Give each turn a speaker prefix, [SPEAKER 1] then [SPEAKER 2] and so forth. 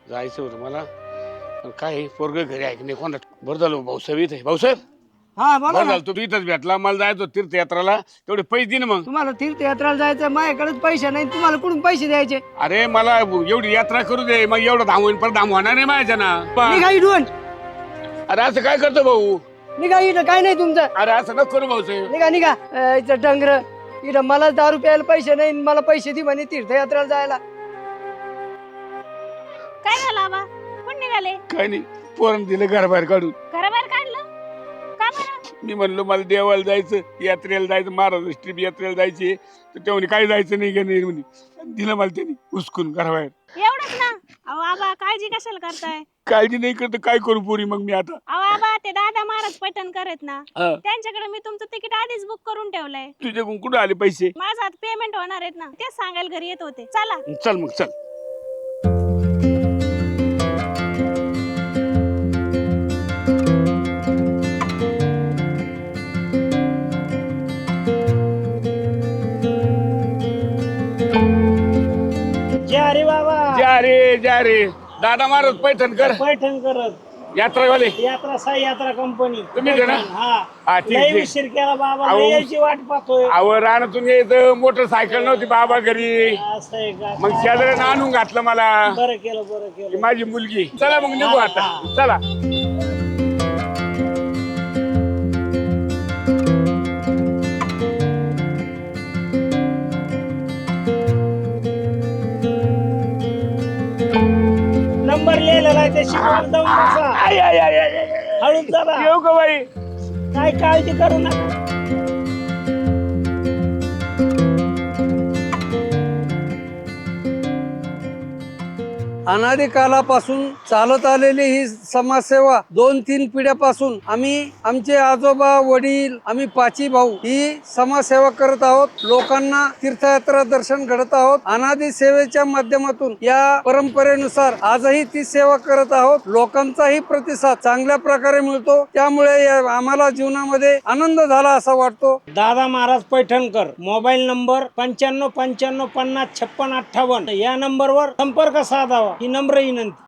[SPEAKER 1] जायचं होतं मला पण काय पोरग घरी ऐक नाही कोणा बरं झालं भाऊसाहेब इथे भाऊसाहेब
[SPEAKER 2] हा बोला
[SPEAKER 1] बरं
[SPEAKER 2] ना.
[SPEAKER 1] झालं तू इथंच भेटला मला जायचं होतं तीर्थयात्राला तेवढे पैसे दे ना मग
[SPEAKER 2] तुम्हाला तीर्थयात्राला जायचं माझ्याकडेच पैसे नाही तुम्हाला कुठून पैसे द्यायचे
[SPEAKER 1] अरे मला एवढी यात्रा करू दे मग एवढं धाम होईन पण धाम होणार नाही माझ्या ना
[SPEAKER 2] निघा इथून
[SPEAKER 1] अरे असं काय करतो भाऊ
[SPEAKER 2] निघा इथं काय नाही तुमचं
[SPEAKER 1] अरे असं नको करू भाऊसाहेब
[SPEAKER 2] निघा निघा इथं डंगर इथं मला दारू प्यायला पैसे नाही मला पैसे दे म्हणे तीर्थयात्राला जायला
[SPEAKER 3] काय झालं आबा कोण निघाले
[SPEAKER 1] काय नाही पोरण दिलं घराबाहेर काढून
[SPEAKER 3] घराबाहेर काढलं का बरं
[SPEAKER 1] मी म्हणलो मला देवाला जायचं यात्रेला जायचं महाराज ट्रिप यात्रेला जायची तर तेव्हा काही जायचं नाही का नाही म्हणे दिलं मला त्यांनी उचकून घराबाहेर
[SPEAKER 3] एवढंच ना अहो आबा काळजी कशाला करताय
[SPEAKER 1] काळजी नाही करत काय करू पोरी मग मी आता
[SPEAKER 3] अहो आबा ते दादा महाराज पैठण करत ना
[SPEAKER 1] हा.
[SPEAKER 3] त्यांच्याकडे मी तुमचं तिकीट आधीच बुक करून ठेवलंय
[SPEAKER 1] तुझ्याकडून कुठं आले पैसे
[SPEAKER 3] माझं आता पेमेंट होणार आहेत ना तेच सांगायला घरी येत होते चला
[SPEAKER 1] चल मग चल
[SPEAKER 2] जा रे बाबा
[SPEAKER 1] जा रे दादा महाराज पैठण कर
[SPEAKER 2] पैठण करत
[SPEAKER 1] यात्रावाले
[SPEAKER 2] यात्रा साई यात्रा कंपनी
[SPEAKER 1] तुम्ही का ना? हा, ठीक,
[SPEAKER 2] लय
[SPEAKER 1] ठीक.
[SPEAKER 2] उशीर केला बाबा
[SPEAKER 1] अहो.
[SPEAKER 2] लय यायची वाट पाहतोय
[SPEAKER 1] अहो रानातून यायचं मोटरसायकल नव्हती बाबा घरी
[SPEAKER 2] असं आहे का
[SPEAKER 1] मग शेजाऱ्यानं आणून घातलं मला
[SPEAKER 2] बरं केलं
[SPEAKER 1] ही माझी मुलगी चला मग निघू आता चला
[SPEAKER 2] नंबर लिहिलेला आहे त्या शिकवण जाऊन बसा.
[SPEAKER 1] आय, आय, आय, आय, आय.
[SPEAKER 2] हळूच जरा
[SPEAKER 1] येऊ का बाई
[SPEAKER 2] काय काळजी करू नका अनादी कालापासून चालत आलेली ही समाजसेवा 2-3 पिढ्यापासून आम्ही आमचे आजोबा वडील आम्ही 5 भाऊ ही समाजसेवा करत आहोत लोकांना तीर्थयात्रा दर्शन घडत आहोत अनादी सेवेच्या माध्यमातून या परंपरेनुसार आजही ती सेवा करत आहोत लोकांचाही प्रतिसाद चांगल्या प्रकारे मिळतो त्यामुळे आम्हाला जीवनामध्ये आनंद झाला असा वाटतो दादा महाराज पैठणकर मोबाईल नंबर 95 55 50 56 58 या नंबरवर संपर्क साधावा ही नम्र विनंती